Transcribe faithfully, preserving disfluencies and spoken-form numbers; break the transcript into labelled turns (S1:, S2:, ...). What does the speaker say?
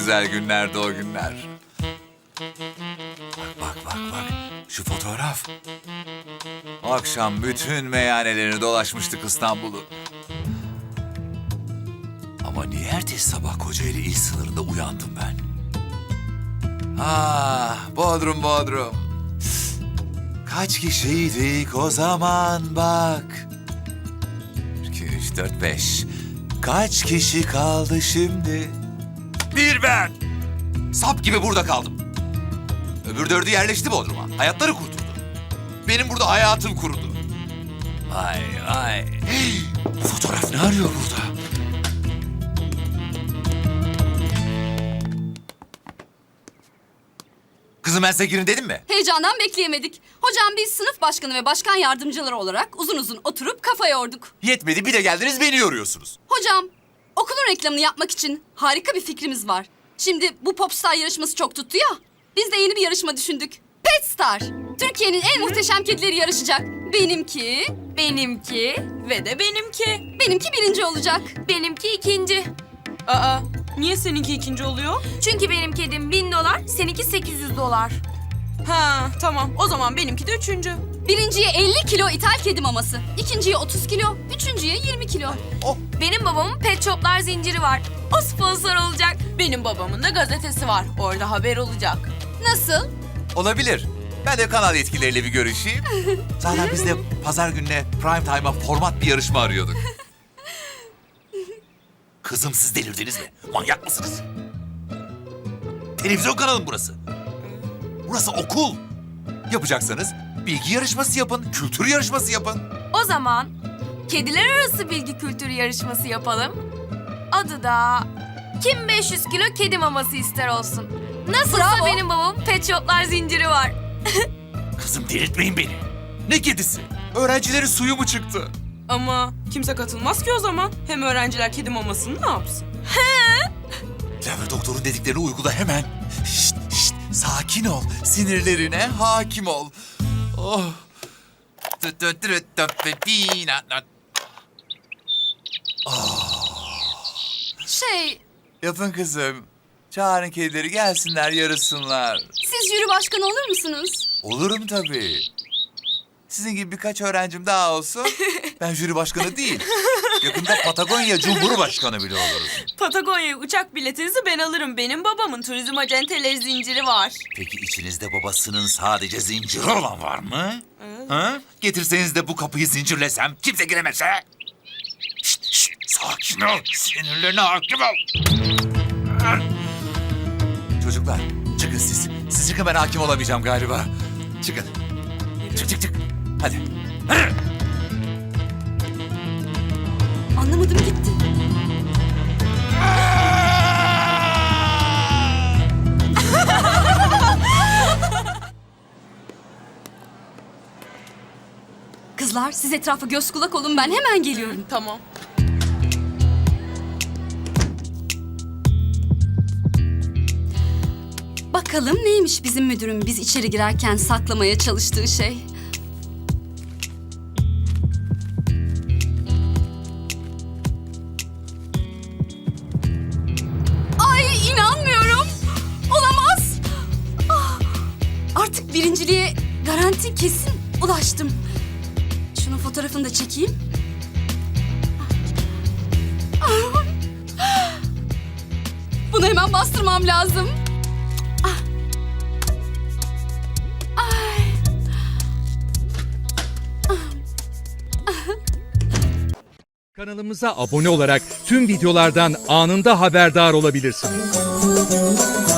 S1: güzel günlerdi o günler. Bak bak bak bak. Şu fotoğraf. O akşam bütün meyhanelerini dolaşmıştık İstanbul'u. Ama niye ertesi sabah Kocaeli il sınırında uyandım ben? Ah, Bodrum Bodrum. Kaç kişiydik o zaman bak. iki, üç, dört, beş. Kaç kişi kaldı şimdi? Bir ben. Sap gibi burada kaldım. Öbür dördü yerleşti Bodrum'a. Hayatları kurtuldu. Benim burada hayatım kurudu. Vay vay. Hey, bu fotoğraf ne arıyor burada? Kızım ben size girin dedim mi?
S2: Heyecandan bekleyemedik. Hocam biz sınıf başkanı ve başkan yardımcıları olarak uzun uzun oturup kafa yorduk.
S1: Yetmedi bir de geldiniz beni yoruyorsunuz.
S2: Hocam okulun reklamını yapmak için harika bir fikrimiz var. Şimdi bu Popstar yarışması çok tuttu ya. Biz de yeni bir yarışma düşündük. Petstar. Türkiye'nin en muhteşem kedileri yarışacak. Benimki,
S3: Benimki ve de benimki.
S2: benimki birinci olacak.
S3: Benimki ikinci. Aa, niye seninki ikinci oluyor? Çünkü benim kedim bin dolar, seninki sekiz yüz dolar. Ha, tamam. O zaman benimki de üçüncü.
S2: Birinciye elli kilo ithal kedi maması. İkinciye otuz kilo. Üçüncüye yirmi kilo.
S1: Oh.
S3: Benim babamın Pet Shop'lar zinciri var. O sponsor olacak. Benim babamın da gazetesi var. Orada haber olacak.
S2: Nasıl?
S1: Olabilir. Ben de kanal yetkilileriyle bir görüşeyim. Zaten biz de pazar gününe prime time'a format bir yarışma arıyorduk. Kızım siz delirdiniz mi? Manyak mısınız? Televizyon kanalı mı burası? Burası okul. Yapacaksanız bilgi yarışması yapın, kültür yarışması yapın.
S3: O zaman kediler arası bilgi kültürü yarışması yapalım. Adı da kim beş yüz kilo kedi maması ister olsun. Nasılsa
S2: Bravo.
S3: benim babamın Pet Shop'lar zinciri var.
S1: Kızım delirtmeyin beni. Ne kedisi? Öğrencilerin suyu mu çıktı?
S4: Ama kimse katılmaz ki o zaman. Hem öğrenciler kedi mamasını ne yapsın?
S1: Cevher doktorun dediklerini uygula hemen. Şşt şşt sakin ol. Sinirlerine hakim ol. Oh.
S2: Şey,
S1: Yapın kızım. Çağırın kedileri gelsinler yarışsınlar.
S2: siz jüri başkanı olur musunuz?
S1: Olurum tabii. Sizin gibi birkaç öğrencim daha olsun. Ben jüri başkanı değil. Yakında Patagonya Cumhurbaşkanı bile olurum.
S4: Patagonya'ya uçak biletinizi ben alırım. Benim babamın turizm acenteleri zinciri var.
S1: Peki içinizde babasının sadece zinciri olan var mı? Ha? Getirseniz de bu kapıyı zincirlesem kimse giremezse. Şşt şşt sakin ol. Sinirlerine hakim ol. Çocuklar çıkın siz. Siz çıkın ben hakim olamayacağım galiba. Çıkın. Çık çık çık. Hadi. Hadi.
S2: Anlamadım gitti. Kızlar siz etrafa göz kulak olun ben hemen geliyorum.
S4: Tamam.
S2: Bakalım neymiş bizim müdürün biz içeri girerken saklamaya çalıştığı şey. Ay inanmıyorum. Olamaz. Ah, artık birinciliğe garanti kesin ulaştım. Şunun fotoğrafını da çekeyim. Ah. Bunu hemen bastırmam lazım.
S5: Kanalımıza abone olarak tüm videolardan anında haberdar olabilirsiniz.